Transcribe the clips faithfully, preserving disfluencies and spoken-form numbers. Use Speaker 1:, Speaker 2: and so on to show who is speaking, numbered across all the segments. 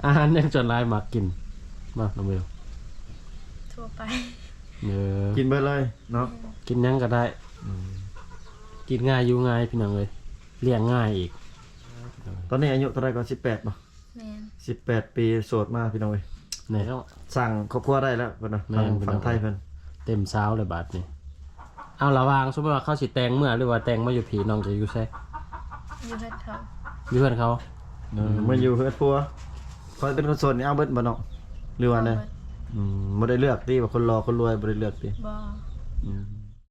Speaker 1: อาหารยังจนลายมักกินมาน้องเบล
Speaker 2: ทั่วไป
Speaker 1: เออ
Speaker 3: กินเบิดเลยเนาะ
Speaker 1: กินยังก็ได้กินง่ายอยู่ง่ายพี่น้องเลยเลี้ยงง่ายอีก
Speaker 3: ตอนนี้อายุเท่าไรก่อนสิบแปดป่ะสิบแปดปีโสดมาพี่น้องเลย
Speaker 1: ไหนเขา
Speaker 3: สั่งครอบครัวได้แล้วเพิ่นนะฝั่งไทยเพิ่น
Speaker 1: เต็มเช้าเลยบาทนี่เอาระวางสมมติว่าเขาสิแตงเมื่อหรือว่าแตงมาอยู่ผีน้องจะอยู่ใช่
Speaker 2: อยู่เพื่อนเขา
Speaker 1: อยู่เพื่อนเขา
Speaker 3: เออมาอยู่เพื่อนพัวคอยเป็นคนโสดนี่เอาเบิดบ่เนาะหรือว่าไงอืมบ่ได้เลือกติว่าคนรอคนรวยบ่ได้เลือกติ
Speaker 2: บ่
Speaker 3: อืม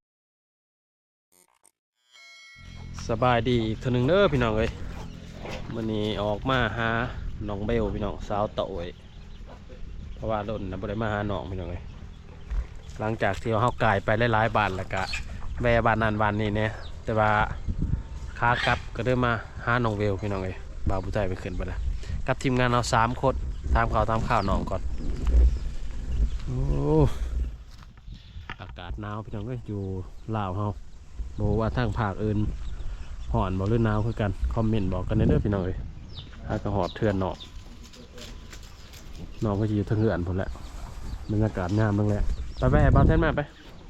Speaker 1: สบายดีอีกเท่านึงเด้อพี่น้องเอ้ยมื้อนี้ออกมาหาน้องเบลพี่น้องสาวเต่าเอ้ยเพราะว่าโดนน่ะบ่ได้มาหาน้องพี่น้องเอ้ยหลังจากที่เฮากายไปหลายๆบ้านแล้วก็แวะบ้านนั้นบ้านนี้เนี่ยแต่ว่าขากลับก็เดินมาหาน้องเบลพี่น้องเอ้ยบ่าวผู้ใจไปขึ้นไปแล้วกับทีมงานเราสามคนตามข่าวตามข่าวน้องก่อนโอ้อากาศหนาวพี่น้องก็อยู่ลาวเฮาบอกว่าทางภาคอื่นห่อนบอกหรือหนาวคือกันคอมเมนต์บอกกันเด้อพี่น้องเอ้ยอากาศหอบเถื่อนน้องน้องก็จะอยู่ทางเหือนผมแหละบรรยากาศงามบ้างแหละไปไปบ้านแท่นมาไป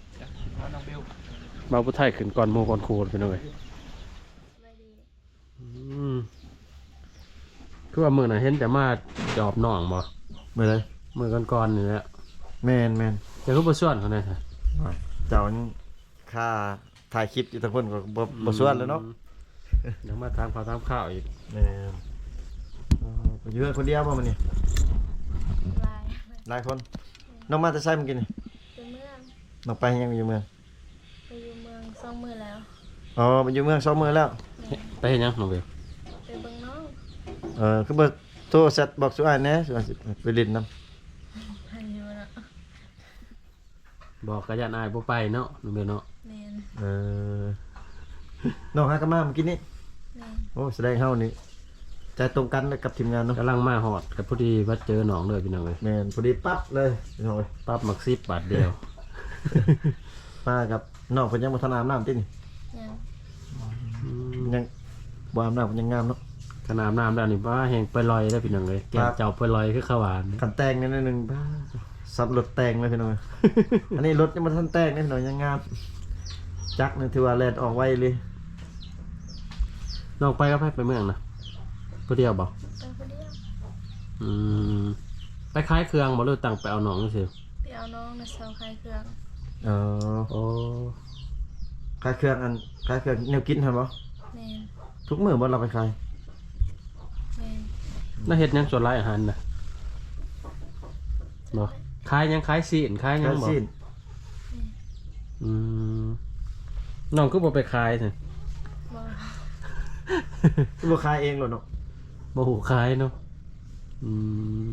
Speaker 1: บ่าวผู้ไทยขึ้นก่อนโมก่อนครูพี่น้องเอ้ยคือว่ามือน่ะเห็นแต่มาจอบน้องบ่
Speaker 3: มื้อใด
Speaker 1: มือก่อนๆนี่แหละ
Speaker 3: แม่นแม่น
Speaker 1: จะก็บ่ส่วนเขาแน่ค่ะ
Speaker 3: เจ้าค่าถ่ายคลิปอยู่ทั้งคนก็บ่บ่ส่วนแล้วเนาะ
Speaker 1: ยังมาทำข่าวทำข้าวอีก
Speaker 3: แม่นเอออยู่คนเดียวบ่มื้อนี้
Speaker 2: หลาย
Speaker 3: หลายคนน้องมาแต่ไสเมื่อกี้นี่
Speaker 2: ไปเมือง
Speaker 3: น้องไปยังอยู่เมือง
Speaker 2: ไปอยู่เมืองสองมื้อแล้ว
Speaker 3: อ๋อไปอยู่เมืองสองมื้อแล้ว
Speaker 1: ไปเฮ็ดหยังน้องเบล
Speaker 2: ไปเบิ่งน้อง
Speaker 3: เออคือบ่โทรแชทบอกสุอ้ายแหน่สุอ้ายสิไปเล่นนำ
Speaker 2: หันอยู่เนาะ
Speaker 1: บอกกะยันอายบ่ไปเนาะน้องเบลเนาะ
Speaker 2: แม่น
Speaker 3: เออน้องหากะมาเมื่อกี้นี้
Speaker 2: แม่น
Speaker 3: โอ้แสดงเฮานี่ใจตรงกันกับทีมงานเนาะ
Speaker 1: กำลังมาฮอดกับพอดีว่าเจอน้องเลยพี่น้องเอ้ย
Speaker 3: แม่นพอดีปั๊บเลยพี่น้องเอ้ย
Speaker 1: ปั๊บมักสิบบาทเดียว
Speaker 3: มากับน้องเพิ่นยังบ่ทันอาบน้ำตินี่
Speaker 2: ยัง
Speaker 3: ยังบ่อาบน้ำเพิ่นยังงามเนาะ
Speaker 1: ขนาดน้ำแล้วนี่ว่าแห้งไปลอยได้พี่น้องเลยแก้วเจ้าไปลอยคือข้าวหวาน
Speaker 3: ขันแตงนิดนึงบ้าสับรถแตงเลยพี่น้องอันนี้รถยังมาทันแตงนี่พี่น้องยังงามจักนึงถือว่าแลนออกไวเลย
Speaker 1: น้องไปก็ไปไปเมืองนะผู้เดียวบอก
Speaker 2: ไปผู้เดียว
Speaker 1: อืมไปคล้ายเครื่องบ่หรือตั้งไปเอาน้องนี่สิ
Speaker 2: ไปเอาน้องในเสาคลายเครื่อง
Speaker 3: อ๋อ
Speaker 1: โอ้
Speaker 3: คลายเครื่องอันคลายเครื่องแนวกินเห็นบ่
Speaker 2: แม่น
Speaker 3: ทุกมื้อบ่เราไปคลาย
Speaker 2: แม่น
Speaker 1: น่าเฮ็ดยังส่วนหลายอาหารนะบ่ขายยังขายซีนขายยังบ่อืมน้องคือบ่ไปขายซั่น
Speaker 2: บ่
Speaker 3: คือบ่ขายเองหรอเนาะ
Speaker 1: บ่ฮู้ขายเนาะอืม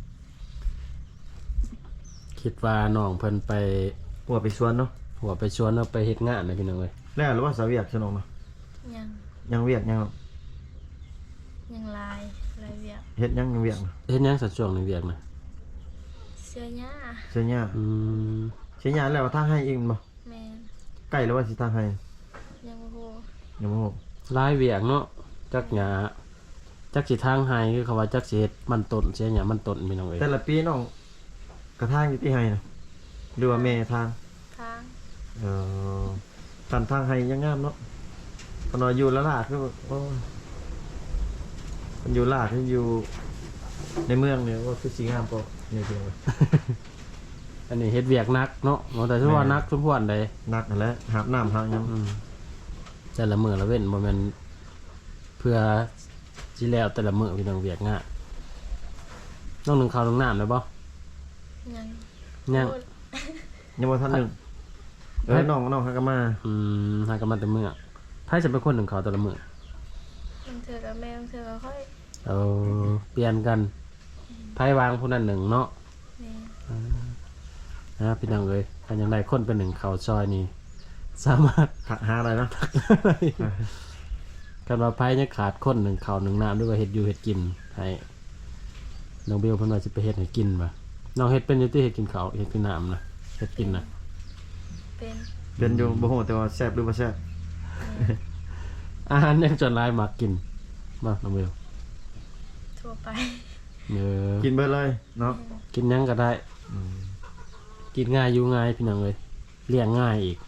Speaker 1: คิดว่าน้องเพิ่นไป
Speaker 3: หัวไปสวนเนาะ
Speaker 1: หัวไปชวนเอาไปเฮ็ดงานนะพี่น้องเอ้ย
Speaker 3: แล้วหรือว่าสาวเวียกซะน้องเนาะ
Speaker 2: ยัง
Speaker 3: ยังเวียกยัง
Speaker 2: ยังลายลายเวียก
Speaker 3: เฮ็ดยังยังเวียก
Speaker 1: เฮ็ดยังสัดช่วงในเวียกนะ
Speaker 2: เสื้อหญ้า
Speaker 3: เสื้อหญ้า
Speaker 1: อืม
Speaker 3: เสื้อหญ้าแล้วทางให้อีกบ่
Speaker 2: แม่น
Speaker 3: ใกล้แล้วว่าสิทางให้
Speaker 2: ยังบ่ฮู้
Speaker 3: ยังบ่ฮู้
Speaker 1: ลายเวียกเนาะจักหญ้าจักสิทางให้คือเขาว่าจักสิเฮ็ดมันต้นเสียหญ้ามันต้นพี่น้องเอ้ย
Speaker 3: แต่ละปีน้องกระทางอยู่ที่ให้นะหรือว่าแม่ทาง
Speaker 2: ทาง
Speaker 3: เออกันทางให้ยังงามเนาะพอนอยู่ละลาคือโอ้มันอยู่ลาดที่อยู่ในเมืองเนี่ยว่าคือสีงามปะเนี่ยเพียงเลย
Speaker 1: อันนี้เฮ็ดเวียกนักเนาะแต่ชื่อว่านักสมควรใด
Speaker 3: นักนั่นแหละหาบน้ำหาบยัง
Speaker 1: แต่ละมื้อละเว้นบ่แม่นเพื่อสิแล้วแต่ละมื้อพี่น้องเวียกงะน้องนึงข้าวนึงน้ำได้บ่
Speaker 2: ยัง
Speaker 1: ยัง
Speaker 3: ยังบ่ทันนึงเออน้องน้องหากะมา
Speaker 1: อืมหากะมาแต่มื้อไผจะเป็นคนนึงข้าวแต่ละมื้อ
Speaker 2: มันเถื่อกับแม่มันเถื่อกับค่อย
Speaker 1: เออเปลี่ยนกันไผวางผู้นั้นหนึ่งเนาะนะพี่น้องเอ้ยถ้ายังได้คนเป็นหนึ่งข้าวซอยนี่สามารถ
Speaker 3: ทักหาอะไรนะ
Speaker 1: กันว่าไผยังขาดคนหนึ่งข้าวหนึ่งน้ำด้วยว่าเฮ็ดอยู่เฮ็ดกินให้น้องเบลเพิ่นว่าสิไปเฮ็ดให้กินบ่น้องเฮ็ดเป็นอยู่ที่เฮ็ดกินข้าวเฮ็ดกินน้ำนะเฮ็ดกินนะ
Speaker 2: เป็น
Speaker 3: เป็นอยู่บ่ฮู้แต่ว่าแซ่บหรือบ่แซ่บ
Speaker 1: อาหารยังจนลายมักกินมาน้องเบล
Speaker 2: ทั่วไป
Speaker 1: เออ
Speaker 3: กินเบิดเลยเนาะ
Speaker 1: กินหยังก็ได้
Speaker 3: อืม
Speaker 1: กินง่ายอยู่ง่ายพี่น้องเลยเลี้ยงง่ายอีก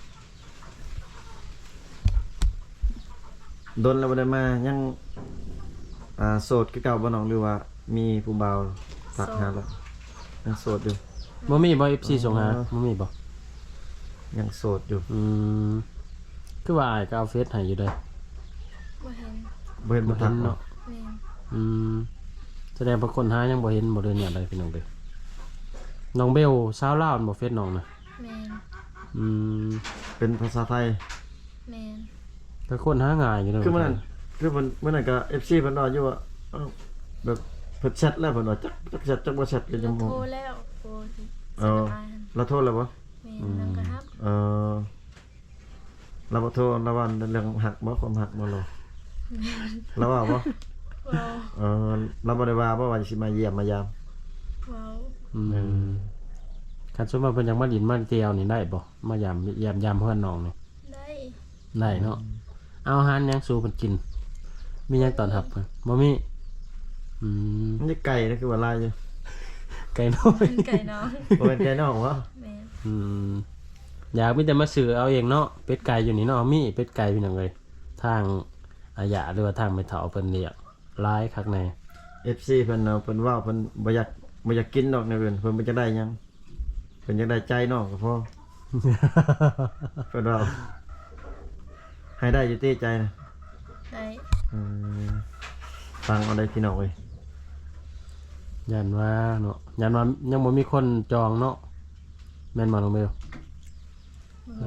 Speaker 3: โดนแล้วบ่ได้มายังอ่าโสดคือเก่าบ่น้องหรือว่ามีผู้บ่าวทักหาแล้วยังโสดอยู่
Speaker 1: บ่มีบ่ เอฟ ซี ส่งหา
Speaker 3: อ๋อ
Speaker 1: บ่มีบ่
Speaker 3: ยังโสดอยู่
Speaker 1: อืมคือว่าอ้ายก็เอาเฟซให้อยู่เด้อ
Speaker 2: บ่เห็น
Speaker 3: บ่เห็น
Speaker 1: บ่
Speaker 3: บ่
Speaker 1: เห็
Speaker 3: ทัก
Speaker 1: น
Speaker 3: เนาะ
Speaker 1: เนาะ
Speaker 2: แม่น
Speaker 1: อืมแสดงว่าคนหายังบ่เห็นบ่เด้อเนี่ยอะไรพี่น้องเด้อน้องเบลสาวลาวบ่เฟซน้องนะ
Speaker 2: แม่น
Speaker 1: อืม
Speaker 3: เป็นภาษาไทย
Speaker 2: แม่น
Speaker 1: ก็คนหาง่ายอยู่เด้อ
Speaker 3: คือมื้อนั้นคือเพิ่นมื้อนั้นก็ เอฟ ซี เพิ่นว่าอยู่ว่าเอ้าแบบเพิ่นแชทแล้วเพิ่นว่าจักจักแชทจักบ่แชทก็ยังบ่
Speaker 2: โทรแล้วโทรสิ
Speaker 3: เออ
Speaker 2: สบายหั่น
Speaker 3: เราโทษแล้วบ่
Speaker 2: แม่นนำกระฮับ
Speaker 3: เออเราบ่โทษเราว่าเรื่องหักบ่ความหักบ่หรอเราว่าบ่
Speaker 2: เว้า
Speaker 3: เออเราบ่ได้ว่าบ่ว่าสิมาเยี่ยมมายาม
Speaker 2: เว้า
Speaker 1: อืมคันสมมุติว่าเพิ่นอยากมาดินมาเที่ยวนี่ได้บ่มายามยามยามเพื่อนน้องนี่
Speaker 2: ได้
Speaker 1: ได้เนาะเอาอาหารหยังสู่เพิ่นกิน มีหยังตอนรับเพิ่นบ่มีอืม
Speaker 3: มันจะไก่นะคือว่าลายอยู่
Speaker 1: ไก่น้อย
Speaker 2: เป็นไก่น้อง
Speaker 3: บ่เป็นไก่นอกวะ
Speaker 2: แม่น
Speaker 1: อืมอยากมีแต่มาซื้อเอาเองเนาะเป็ดไก่อยู่นี่เนาะมีเป็ดไก่พี่น้องเอ้ยทางอาญาหรือว่าทางไม่เฒ่าเพิ่นเรียกหลายคักใน
Speaker 3: เอฟ ซี เพิ่นเอาเพิ่นว่าเพิ่นบ่อยากบ่อยากกินดอกแนวอื่นเพิ่นบ่จะได้หยังเพิ่นอยากได้ใจนอกก็พอเพิ่นว่าให้ได้อยู่ที่ใจนะ
Speaker 2: ได้
Speaker 3: อืมฟังเอาได้พี่น้องเอ้ย
Speaker 1: ยันว่าเนาะยันว่ายังบ่มีคนจองเนาะแม่นบ่น้องเบล
Speaker 2: โอ้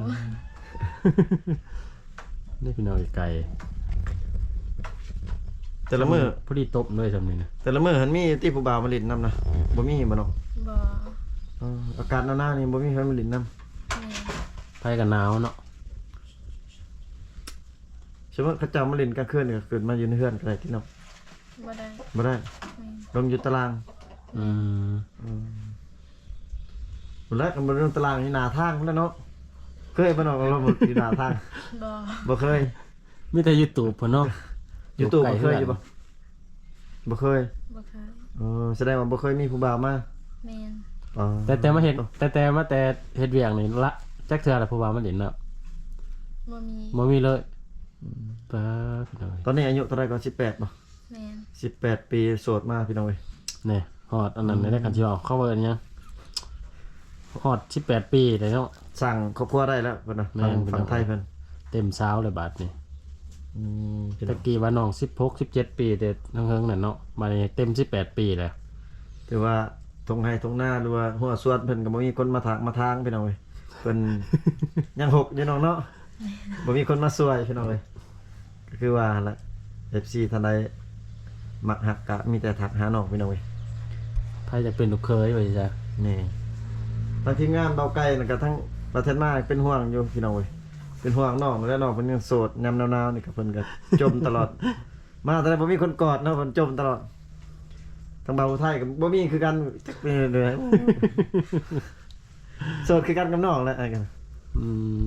Speaker 1: นี่พี่น้องไอ้ไก่
Speaker 3: แต่ละมื้อ
Speaker 1: พอดีตบเลยซำนี้นะ
Speaker 3: แต่ละมื้อหันมีที่ผู้บ่าวมาเล่นนำนะบ่มีบ่เนาะ
Speaker 2: บ่
Speaker 3: เอออากาศหนาวๆนี่บ่มีใครมาเล่นนำ
Speaker 2: แม่น
Speaker 1: ไปกันหนาวเนาะ
Speaker 3: สมมุติเขาเจ้ามาเล่นกลางคืนก็เกิดมาอยู่ในเฮือนก็ได้ที่เนาะ
Speaker 2: บ่ได้
Speaker 3: บ่ได้
Speaker 2: แม่น
Speaker 3: ลงอยู่ตาราง
Speaker 1: อืม
Speaker 3: อืมบ่แล้วก็บ่ลงตารางนี่หน้าทางพุ่นแหล้วเนาะเคยบ่เนาะเราบ่อยู่หน้าทาง
Speaker 2: บ่
Speaker 3: บ่เคย
Speaker 1: มีแต่ YouTube เพิ่นเนาะ
Speaker 3: YouTube
Speaker 1: ไกล
Speaker 3: บ่เคยอยู่บ่บ่เคย
Speaker 2: บ่เคย
Speaker 3: เออแสดงว่าบ่เคยมีผู้บ่าวมา
Speaker 2: แม่น
Speaker 3: อ๋อ
Speaker 1: แต่แต่มาเฮ็ดแต่แต่มาแต่เฮ็ดเวียกนี่ละจักเทื่อละผู้ว่ามาเล่นเนาะ
Speaker 2: บ่มี
Speaker 1: บ่มีเลยปาพี่น้อง
Speaker 3: ตอนนี้อายุเท่าไหร่ก็สิบแปดบ่
Speaker 2: แม่น
Speaker 3: สิบแปดปีโสดมาพี่น้องเอ้ย
Speaker 1: นี่ฮอดอันนั้นได้กันสิออกเข้าเบิ่นยังฮอดสิบแปดปีเลยเนาะ
Speaker 3: สั่งครอบครัวได้แล้วเพิ่นน่ะ
Speaker 1: แม่
Speaker 3: ฝั่ง
Speaker 1: น
Speaker 3: ฝั่งไทยเพิ่น
Speaker 1: เต็มสาวเลยบาดนี้
Speaker 3: อืมพี่น้
Speaker 1: ตะ
Speaker 3: อง
Speaker 1: กี้ว่าน้องสิบหก สิบเจ็ดปีแต่ทั้งเฮิงนั่นเนาะมานี่เต็มสิบแปดปีแล้ว
Speaker 3: ถือว่าทงไห้ทงหน้าหรือว่าหัวสวดเพิ่นก็บ่มีคนมาถากมาทางพี่น้องเอ้ยเพิ่น ยังหกอยู่น้องเนาะบ่มีคนมาช่วยพี่น้องเอ้ยก็คือว่าหั่นล่ะ เอฟ ซี ท่านใดมักหักก็มีแต่ทักหาน้องพี่น้องเอ้ย
Speaker 1: ไผจะเป็นลูกเคยว่าจ้ะ
Speaker 3: นี่ทางทีมงานเบาไก่นะก็ทั้งประเทศมาเป็นห่วงอยู่พี่น้องเว้ยเป็นห่วงน้องแล้วน้องเพิ่นยังโสดยามหนาวๆนี่ก็เพิ่นก็ จมตลอด มาแต่บ่มีคนกอดเนาะเพิ่นจมตลอดทางเบาไทยก็บ่มีคือกันจักเป็นเลย โสดคือกันกับน้องแหละไอ้กัน
Speaker 1: อืม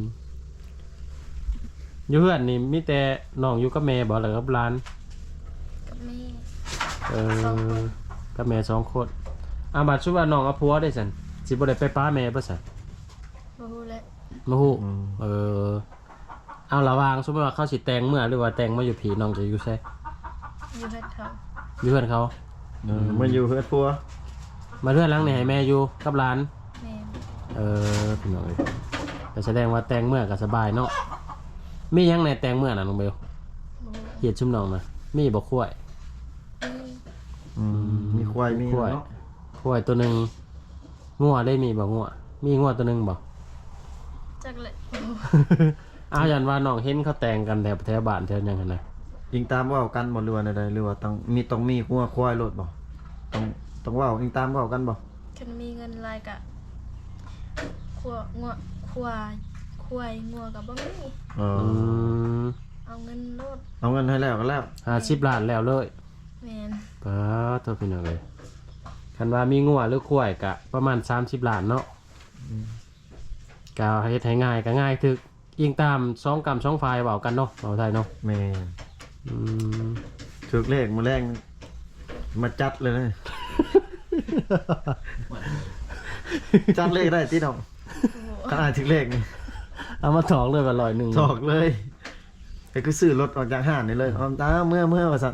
Speaker 1: อยู่เพื่อนนี่มีแต่น้องอยู่กับแม่บ่หรือกับหลาน
Speaker 2: กับแม่
Speaker 1: เอ
Speaker 2: สองค
Speaker 1: อน กับแม่สองคนอาบัดชุบว่าน้องเอาผัวได้ซั่นสิบ่ได้ไปป้าแม่บ่ซั่น
Speaker 2: บ่ฮู้แหละ
Speaker 1: บ่ฮู้เออเอาระหว่างสมมุติว่าเขาสิแต่งเมื่อหรือว่าแต่งมาอยู่ผีน้องจะอยู่ไส
Speaker 2: อยู่เฮ็ดเขา
Speaker 1: อยู่เพื่อนเขา
Speaker 3: เออมันอยู่เฮือดพัว
Speaker 1: มาเพื่อนหลังนี่ให้แม่อยู่กับหลาน
Speaker 2: แม่น
Speaker 1: เออพี่น้องเอ้ยก็แสดงว่าแต่งเมื่อก็สบายเนาะมีหยังในแต่งเมื่อน่ะน้องเบล
Speaker 2: บ่ฮู้
Speaker 1: เฮ็ดชุมน้องนะมีบ่คุ้ย
Speaker 2: มี
Speaker 3: อืมมีควายมี
Speaker 1: คุ้ย
Speaker 3: เนาะ
Speaker 1: คุ้ยตัวหนึงงัวได้มีบ่งัวมีงัวตัวหนึงบ่
Speaker 2: จักแหละบ่ฮู้
Speaker 1: อ้าวยันว่าน้องเห็นเขาแต่งกันแถวแถวบ้านแถวหยังหั่นน่ะ
Speaker 3: ยิงตามเว้ากันบ่หรือว่าใดๆหรือว่าต้องมีต้องมีหัวควายโลดบ่ต้องต้องเว้ายิงตามเว้ากันบ่
Speaker 2: คันมีเงินหลายก็ขัวงัวควายควายงัวก็บ่มี
Speaker 3: เอ
Speaker 1: อื
Speaker 3: อ
Speaker 1: ม
Speaker 2: เอาเงินโลด
Speaker 3: เอาเงินให้แล้วก็แล้ว
Speaker 1: ห้าสิบล้านแล้วเลย
Speaker 2: แม่น
Speaker 1: ป้าตัวพี่น้องเอ้ยคันว่ามีงัวหรือคุ้ยก็ประมาณสามสิบล้านเนาะก็เฮ็ดให้ง่ายก็ง่ายถึกยิงตามสองกรรมสองฝ่ายเว้ากันเนาะเว้าไทยเนาะ
Speaker 3: แม่
Speaker 1: อืม
Speaker 3: ถูกเลขมื้อแรงมาจัดเลยนะ จัดเลขได้ที่น้อง
Speaker 2: โอ้โห
Speaker 3: ถ้าอ่านถึงเลขนี่
Speaker 1: เอามาถอกเลยว่าร้อยหนึ่ง
Speaker 3: ถอกเลยไปคือซื้อรถออกจากห้างนี่เลยออมตาเมื่อเมื่อว่าสั่น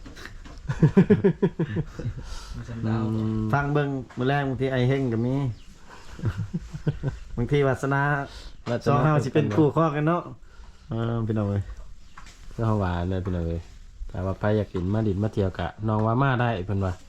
Speaker 1: อืม
Speaker 3: ฟังเบิ่งมื้อแรกบางทีไอ้เฮงก็มี บางทีวาสนาสองเฮาสิเป็นคู่ข้อกันเนาะเออพี่น้องเอ้ย
Speaker 1: เพื่อหวานเลยพี่น้องเอ้ยแต่ว่าไปอยากกินมาดินมาเที่ยวกะน้องว่ามาได้เพิ่นว่า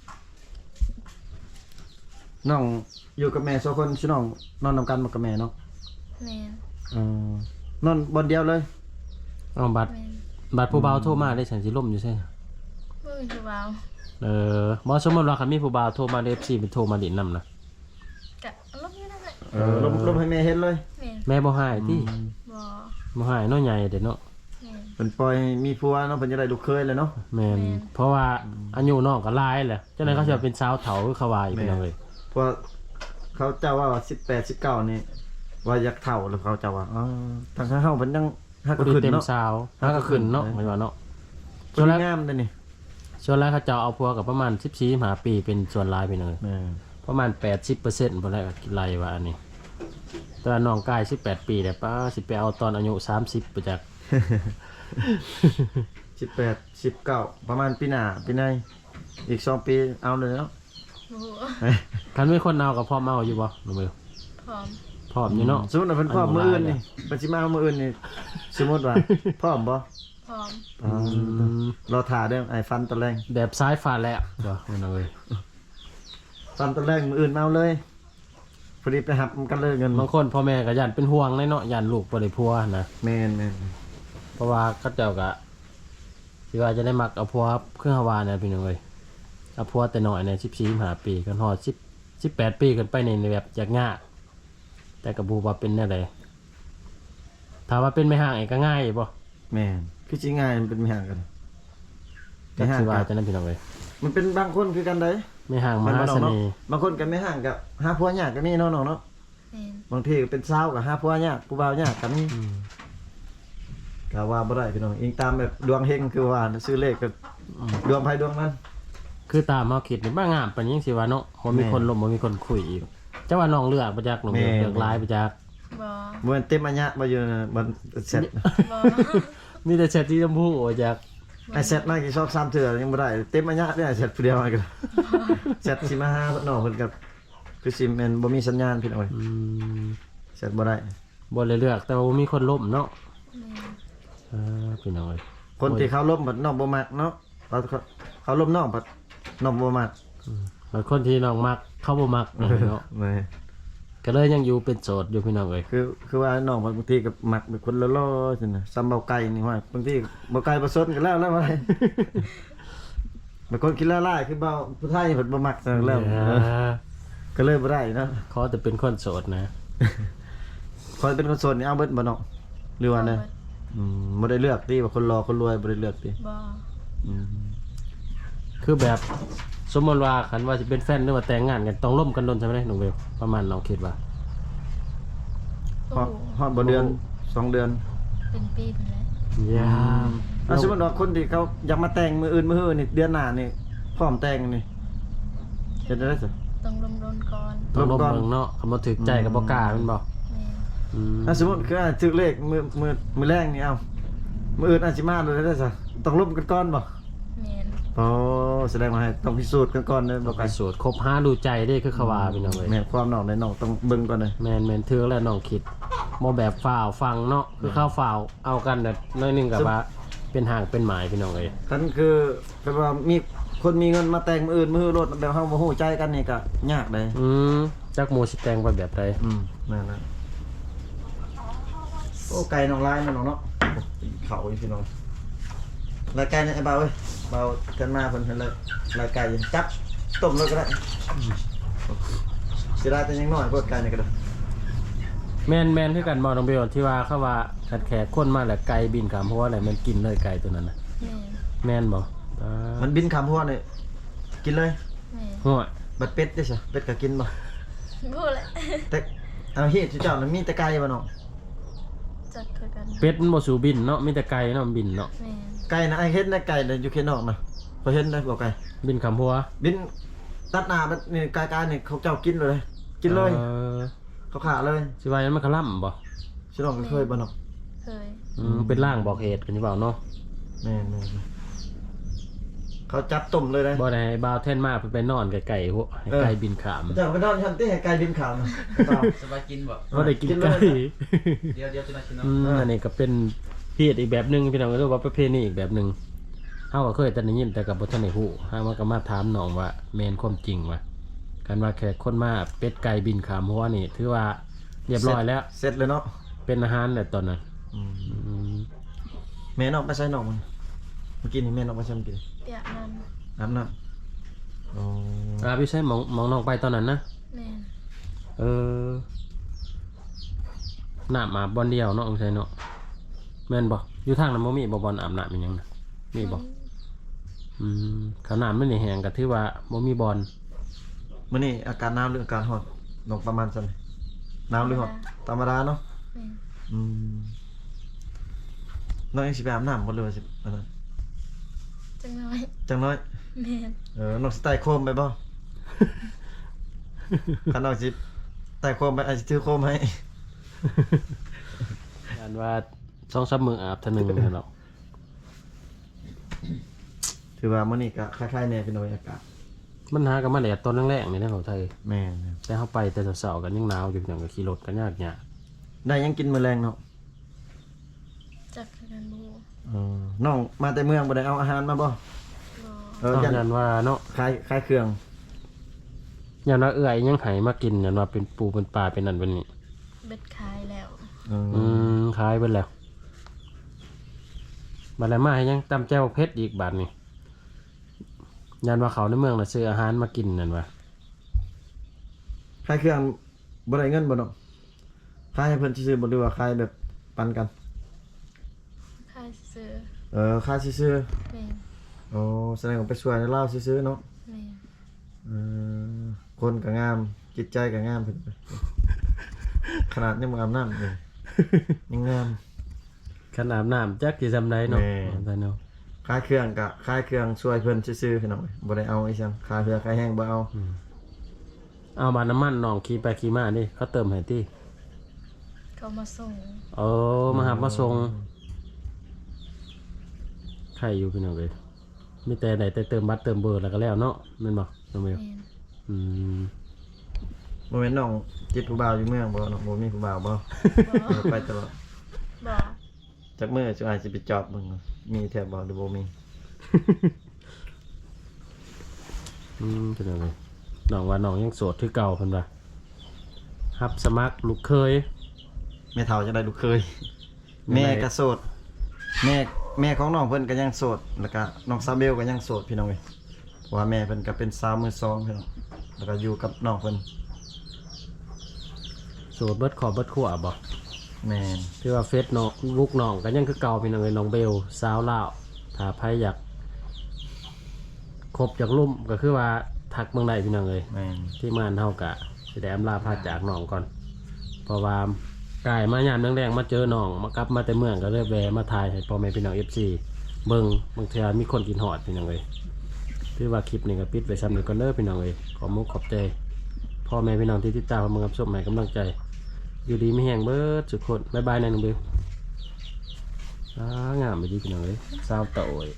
Speaker 3: น้องอยู่กับแม่สองคนชื่อน้องนอนนำกันบ่กับแม่เนาะ
Speaker 2: แม่น
Speaker 3: เออนอนบนเดียวเลย
Speaker 1: เอาบัตร
Speaker 2: แม่น
Speaker 1: บัตรผู้บ่าวโทรมาได้ฉันสิล่มอยู่ใช่
Speaker 2: บ่มีผู้บ่าว
Speaker 1: เออบ่สมมุติว่าคันมีผู้บ่าวโทรมาใน เอฟ ซี เป็นโทรมาดินนำนะ
Speaker 2: กะลบอยู่นั่นแหละ
Speaker 3: เออลมลมให้แม่เห็นเลย
Speaker 2: แม่น
Speaker 1: แม่บ่ให้ติ
Speaker 2: บ่
Speaker 1: บ่ให้เนาะใหญ่เด้เนาะ
Speaker 2: แม่น
Speaker 3: เพิ่นปล่อยมีผัวเนาะเพิ่นจะได้ลูกเคยเลยเนาะ
Speaker 1: แม่น
Speaker 2: แม่น
Speaker 1: เพราะว่าอายุน้องก็หลายแหละจังได๋เขาสิเป็นสาวเฒ่าคือเขาว่าอีกพี่น้องเอ้ย
Speaker 3: เพราะเขาเจ้าว่าสิบแปด สิบเก้านี่ว่าอยากเฒ่าแล้วเขาเจ้าว่าอ๋อทางเฮาเพิ่นยังฮัก
Speaker 1: บ่
Speaker 3: ก็
Speaker 1: ได้
Speaker 3: ขึ้น
Speaker 1: เต็ม
Speaker 3: เนาะ
Speaker 1: สาวหาก็ขึ้นเนาะหมายว่าเนาะ
Speaker 3: ค
Speaker 1: ส่วน นแรก
Speaker 3: งามเด้อนี่
Speaker 1: ส่วนแรกเขาเจ้าเอาผัวกับประมาณสิบสี่ ห้าปีเป็นส่วนหลายพี่น้องเอ้ย
Speaker 3: แม่
Speaker 1: ประมาณ แปดสิบเปอร์เซ็นต์ บ่ได้กินไรว่าอันนี้แต่ว่าน้องกายสิบแปดปีแต่ป้าสิไปเอาตอนอายุสามสิบไปจาก
Speaker 3: สิบแปด สิบเก้าประมาณปีหน้าปีในอีกสองปีเอาเลยเนาะ
Speaker 2: โอ้โห
Speaker 1: คันมีคนเอากับพ่อเมาอยู่บ่น้องเบล
Speaker 2: พร้อม
Speaker 1: พร้อมอยู่เนาะ
Speaker 3: สมมุติว่าเพิ่นพร้อมมื้ออื่นนี่เพิ่นสิมาเอามื้ออื่นนี่สมมุติว่าพร้อมบ่
Speaker 2: พร้อม
Speaker 3: อ๋อ
Speaker 1: ม
Speaker 3: รอถ่าเด้อไอ้ฟันตะแรง
Speaker 1: แบบซ้ายฟ้าแลบบ่น้องเอ้ย
Speaker 3: ฟันตะแรงมื้ออื่นมาเอาเลยพอดีไปหับกันเลยเงิน
Speaker 1: บางคนพ่อแม่ก็ย่านเป็นห่วงเลยเนาะย่านลูกบ่ได้ผัวนะ
Speaker 3: แม่นแม่น
Speaker 1: เพราะว่าเขาเจ้าก็สิว่าจะได้มักเอาผัวเครื่องฮาวาเนี่ยพี่น้องเอ้ยเอาผัวแต่น้อยเนี่ยสิบสี่ สิบห้าปีกันฮอดสิบ สิบแปดปีกันไปในแบบยากยากแต่ก็บ่ว่าเป็นแนวใดถ้าว่าเป็นไม่ห่างเองก็ง่ายบ่
Speaker 3: แม่นคือสิง่ายมันเป็นไม่ห่างกัน
Speaker 1: จักสิว่าจังนั้นพี่น้องเอ้ย
Speaker 3: มันเป็นบางคนคือกันได้
Speaker 1: ไม่ห่างม
Speaker 3: มัน
Speaker 1: หา
Speaker 3: บ่
Speaker 1: เส
Speaker 3: เนาะ
Speaker 1: น่ห์
Speaker 3: บางคนก็ไม่ห่างกับหาผัวยากก็มีเนาะน้องเนาะ
Speaker 2: แม่น
Speaker 3: บางทีก็เป็นสาวก็หาผัวยากผู้บ่าวยากก็มี
Speaker 1: อืม
Speaker 3: ก็ว่าบ่ได้พี่น้องอิงตามแบบดวงเฮงคือว่าซื้อเลขก็ดวงไผดวงมัน
Speaker 1: คือตามเฮาคิดนี่บ่งามปานนี้สิว่าเนาะบ่มีคนลมบ่มีคนคุยอีกจังว่าน้องเลือกบ่จักน้องเลือกเลือกหลายบ่จัก
Speaker 2: บ่
Speaker 3: บ่แม่นเต็มอัญญะบ่อยู่นะมันเสร็จ
Speaker 2: บ่
Speaker 1: มีแต่แชทที่ชมพูบ่จัก
Speaker 3: ไอ้เสร็จมากี่ชอบซ้ำเทื่อยังบ่ได้เต็มอัญญะเด้อเสร็จผู้เดียวมาก็เสร็จสิมาหาน้องเพิ่นก็คือสิแม่นบ่มีสัญญาณพี่น้องเอ้ย
Speaker 1: อืม
Speaker 3: เสร็จบ่ได้
Speaker 1: บ่ได้เลือกแต่ว่าบ่มีคนล้มเนาะ
Speaker 2: แม่น
Speaker 1: เออพี่น้องเอ้ย
Speaker 3: คนที่เขาล้มบัดน้องบ่มักเนาะเขาเขาล้มน้องบัดน้องบ่มัก
Speaker 1: บางคนที่น้องมักเขาบ่มักเนาะ
Speaker 3: แม่
Speaker 1: ก็เลยยังอยู่เป็นโสดอยู่พี่น้องเอ้ย
Speaker 3: คือคือว่าน้องบางทีก็มักเป็นคนละล้อๆซั่นน่ะซ้ำเบาไก่นี่ว่าบางทีเบาไก่บ่สนกันแล้วแล้วว่า บางคนคิดละลายคือเบาผู้ไทยเพิ่นบ่มักซั่นแล้ว
Speaker 1: เอ
Speaker 3: เออ
Speaker 1: อ
Speaker 3: ก็เลยบ่ได้เนาะ
Speaker 1: ขอแต่เป็นคนโสดนะ
Speaker 3: คอยเป็นคนโสดนี่เอาเบิดบ่เนาะหรือว่าไดอืมบ่ได้เลือกติว่าคนรอคนรวยบ่ได้เลือกติ
Speaker 2: บ่
Speaker 3: อืม
Speaker 1: คือแบบสมมติว่าคันว่าจะเป็นแฟนหรือว่าแต่งงานกันต้องร่วมกันโดนใช่ไหมน้องเบลประมาณน้องคิดว่า
Speaker 3: ฮอดฮอดบ่เดือนสองเดือน
Speaker 2: เป็นปีพุ่นแหละ
Speaker 1: ยาม
Speaker 3: อ่ะสมมุติว่าคนที่เขาอยากมาแต่งมื้ออื่นมื้อฮื้อนี่เดือนหน้านี่พร้อมแต่งนี่เฮ็ดได้ซะ
Speaker 2: ต้องลมรนก่อน
Speaker 1: ต้องร่วม
Speaker 3: ร่วมก่อน
Speaker 1: เมืองเนาะคำว่าถึกใจกับบ่กล้าแมันบ่
Speaker 2: แม่น
Speaker 1: อืม
Speaker 3: ถ้าสมมุติคืออ่ะถึกเลขมื้อมื้อมื้อแรงนี่เอามื้ออื่นอาจสิมาเลยได้ซะต้องร่วมกันก่อนบ่
Speaker 2: แม่น
Speaker 3: อ๋อแสดงว่าให้ต้องพิสูจน์กันก่อนเด้อบ่
Speaker 1: ไป
Speaker 3: ไกล
Speaker 1: สวดครบห้าดูใจได้คือเขาว่าพี่น้องเอ้ย
Speaker 3: แม่นความน้องในน้องต้องเบิ่งก่อนเลย
Speaker 1: แมนแมนเทือกแล้วน้องคิดบ่แบบฝ่าวฟังเนาะคือเข้าฝ่าวเอากันแบบน้อยหนึงกับว่าเป็นห่างเป็นหมายพี่น้องเอ้ย
Speaker 3: คันคือคือว่ามีคนมีเงินมาแต่งมื้ออื่นมื้อรถแบบเฮาบ่ฮู้ใจกันนี่ก็ยากเลย
Speaker 1: อืมจักหมู่สิแต่งไปแบบใด
Speaker 3: อืมนั่นนะโอ้ไก่น้องลายมันน้องเนาะเขาอีพี่น้องรายไก่เนี่ยไอ้เบาเว้ยเบากันมาเพิ่นเพิ่นเลยรายไก่จับต้มเลยก็ได้สิได้แต่ยังน้อยพวกไก่นี่ก็ได้
Speaker 1: แมนแมนคือกันบ่น้องเบลที่ว่าเขาว่าขัดแขกคนมาแล้วไก่บินขามเพราะว่าอะไรมันกินเลยไก่ตัวนั้นน่ะ
Speaker 2: แม่น
Speaker 1: แมนบ่อ่า
Speaker 3: มันบินคำพวกนี่กินเลย
Speaker 2: แม่น
Speaker 1: หัว
Speaker 3: บัดเป็ดได้ซะเป็ดก็กินบ่
Speaker 2: พูดแหละ
Speaker 3: แต่เอาเฮ็ดเจ้านั้นมีแต่ไก่บ่เนาะ
Speaker 2: จักคือกัน
Speaker 1: เป็ดมันบ่สู่บินเนาะมีแต่ไก่เนาะมันบินเนาะ
Speaker 2: แม่น
Speaker 3: ไก่นะไอ้เฮ็ดนะไก่น่ะอยู่เขตนอกนะเขาเห็นได้บอกไง
Speaker 1: บินคำหัว
Speaker 3: บินตัดหน้ามันนี่กายๆนี่เขาเจ้ากินเลยกินเลย
Speaker 1: ออ
Speaker 3: เขาขาเลย
Speaker 1: สิว่านั้นมันคล่ำบ่
Speaker 3: ชิน้องก็เคยบ่เนาะ
Speaker 2: เคย
Speaker 1: อืมเป็นร่างบอกเหตุกันอยู่เปล่าเนาะ
Speaker 3: แม่นๆเขาจับตุ่มเลยนะ
Speaker 1: บ่ได้ให้บ่าวเท่นมาเพิ่นไปนอนไกลๆหัวให้ไก่บินขาม
Speaker 3: เจ้าไปนอนชั้นที่ให้ไกลบินขาวนะ
Speaker 4: สบายกินบ่
Speaker 1: บ่ได้กินไก่
Speaker 4: เดี๋ยวเดี๋ยวจะมาชิมเนาะ
Speaker 1: อืมอันนี้ก็เป็นเพศอีกแบบหนึงพี่น้องก็เรียกว่าประเพณีอีกแบบหนึงเฮาก็เคยแต่ได้ยินแต่กับบ่ทันได้ฮู้เฮามาก็มาถามน้องว่าแม่นความจริงว่าการว่าแขกคนมาเป็ดไก่บินขามหัวนี่ถือว่าเรียบร้อยแล้ว
Speaker 3: เสร็จเลยเนาะ
Speaker 1: เป็นอาหารแล้วตอนนั้น
Speaker 3: อืม
Speaker 1: อืม
Speaker 3: แม่นออกไปใส่นอกมันเมื่อกี้นี่แม่นออกไปใส่เมื่อกี้
Speaker 2: เปียกน้
Speaker 3: น้ำน้ำอ๋อ
Speaker 1: อ่าพี่ใช่หมองหมองน้องไปตอนนั้นนะ
Speaker 2: ำแม่น
Speaker 1: เออน้ำมาบอลเดียวเนาะองใช่เนาะแม่นบ่อยู่ทางนั้นบ่มีบ่บอลอาบน้ำเป็นหยังนะมีบ่อืมขาวน้ำมันนี่แห้งก็ถือว่าบ่มีบอล
Speaker 3: มื่อนี้อาการหนาวหรืออาการร้อนลงประมาณสันหนาวหรือร้อนธรรมดาเนาะ
Speaker 2: แม่น
Speaker 3: อืมน้องยังสิไปอาบน้ำบ่เลยว่าสิอันนั้น
Speaker 2: จังน้อย
Speaker 3: จังน้อย
Speaker 2: แม่น
Speaker 3: เออน้องสิไต่โคมไปบ่ คันน้องสิไต่โคมไปอาจสิถือโคมให้
Speaker 1: อันว่าสองสามมื้ออาบเท่านึงนั่นเนาะ
Speaker 3: ถือว่ามื้อนี้ก็คล้ายๆแน่เป็นบรรยากาศ
Speaker 1: มันหากันมาแดดตอนแรกๆนี่นะของไทย
Speaker 3: แม่น
Speaker 1: แต่เฮาไปแต่เช้าๆกันยังหนาวอยู่อย่างก็ขี่รถกันยากยาก
Speaker 3: ได้ยังกินมื้อแรงเนาะ
Speaker 2: จักกันบู
Speaker 3: เออน้องมาแต่เมืองบ่ได้เอาอาหารมาบ่
Speaker 2: บอ
Speaker 3: เออ
Speaker 1: ตอน
Speaker 3: ยัน
Speaker 1: นั้นว่าเนาะ
Speaker 3: คล้ายคล้ายเครื่อง
Speaker 1: ยันว่าเอื้อยยังไห้มากินยันว่าเป็นปูเป็นปลาเป็นนั่นเป็นนี่
Speaker 2: เบ็ดขายแล้ว
Speaker 3: เออ
Speaker 1: อืมคล้ายเบิ่นแล้วบัดแล้วมาให้ยังตำแจ่วเผ็ดอีกบาดนี่ยันว่าเขาในเมืองน่ะซื้ออาหารมากินนั่นว่า
Speaker 3: คล้ายเครื่องบ่ได้เงินบ่เนาะคล้ายให้เพิ่นซื้อๆบ่หรือว่าคล้ายแบบปันกัน
Speaker 2: ขายซื้อ
Speaker 3: เออคล้ายซื้อ
Speaker 2: แม่น
Speaker 3: ๆอ๋อแสดงว่าไปช่วยในลาวซื้อๆเนาะ
Speaker 2: แม่น
Speaker 3: เออคนก็งาม จิตใจก็งามเพิ่น ขนาดยังบ่อาบน้ำเลยยังงาม
Speaker 1: ขนาดน้ำจักสิซำใดเนาะ
Speaker 3: แม่
Speaker 1: แต่เนาะ
Speaker 3: คล้ายเครื่องก็คล้ายเครื่องช่วยเพิ่นซื่อๆพี่น้องบ่ได้เอาอีจังคาเรือคาแห้งบ่เอา
Speaker 1: เอาบาดน้ำมันน้องขี่ไปขี่มานี่เขาเติมให้ติ
Speaker 2: เขามาส่ง
Speaker 1: เออมาหามาส่งใครอยู่พี่น้องเอ้ยมีแต่ได้แต่เติมบัตรเติมเบอร์แล้วก็แล้วเนาะแม่นบ่น้องเมล
Speaker 2: แม่น
Speaker 1: อืม
Speaker 3: บ่แม่นน้องจิตผู้บ่าวอยู่เมืองบ่เนาะบ่มีผู้บ่าวบ่
Speaker 2: บอ
Speaker 3: เออไปตลอด
Speaker 2: บอ
Speaker 3: จักมื้อสิอาจสิไปจอบเบิ่งมีแท้บ่หรือบ่มี
Speaker 1: อืมเป็นยังไงน้องว่าน้องยังโสดคือเก่าเพิ่นว่ารับสมัครลูกเคย
Speaker 3: แม่เฒ่าจะได้ลูกเคย แม่ก็โสด แม่แม่ของน้องเพิ่นก็ยังโสดแล้วก็น้องซาเบลก็ยังโสดพี่น้องเอ้ยเพราะว่าแม่เพิ่นก็เป็นสาวมือสองพี่น้องแล้วก็อยู่กับน้องเพิ่น
Speaker 1: โสดเบิดขอบเบิดขั้วบ่
Speaker 3: แม่น
Speaker 1: คือว่าเฟซน้องลูกน้องก็ยังคือเก่าพี่น้องเอ้ยน้องเบลสาวลาวถ้าใครอยากคบอยากลุ่มก็คือว่าทักเมืองใดพี่น้องเอ้ย
Speaker 3: แม่น
Speaker 1: ที่มานเฮากะสิได้อำลาพาจากน้องก่อน เพราะว่ากายมายามแรงๆมาเจอน้องมากลับมาแต่เมืองก็เลยแวะมาถ่ายให้พ่อแม่พี่น้อง เอฟ ซี เบิ่งบางเทื่อมีคนกินฮอดพี่น้องเอ้ยถือว่าคลิปนี้ก็ปิดไว้ซ้ำนี้ก่อนเด้อพี่น้องเอ้ยขอมุกขอบใจพ่อแม่พี่น้องที่ติดตามมารับชมให้กำลังใจ อยู่ดีมีแห้งเบิดทุกคนบ๊ายบายนะน้องเบลอ่างามไปดีพี่น้องเอ้ยสาวเต่าเอ้ย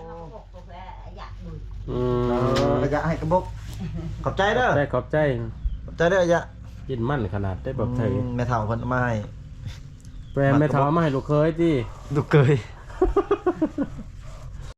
Speaker 1: อืม
Speaker 3: เออระยะให้กระบอกขอบใจเด้อ
Speaker 1: ได้ขอบใจ
Speaker 3: ขอบใจเด้อระยะ
Speaker 1: ยินมั่นขนาดได้บอกไทย
Speaker 3: อืมแม่เฒ่าเพิ่นเอามาให้
Speaker 1: แปลไม่ท้อมาให้ลูกเคยที่
Speaker 3: ลูกเคย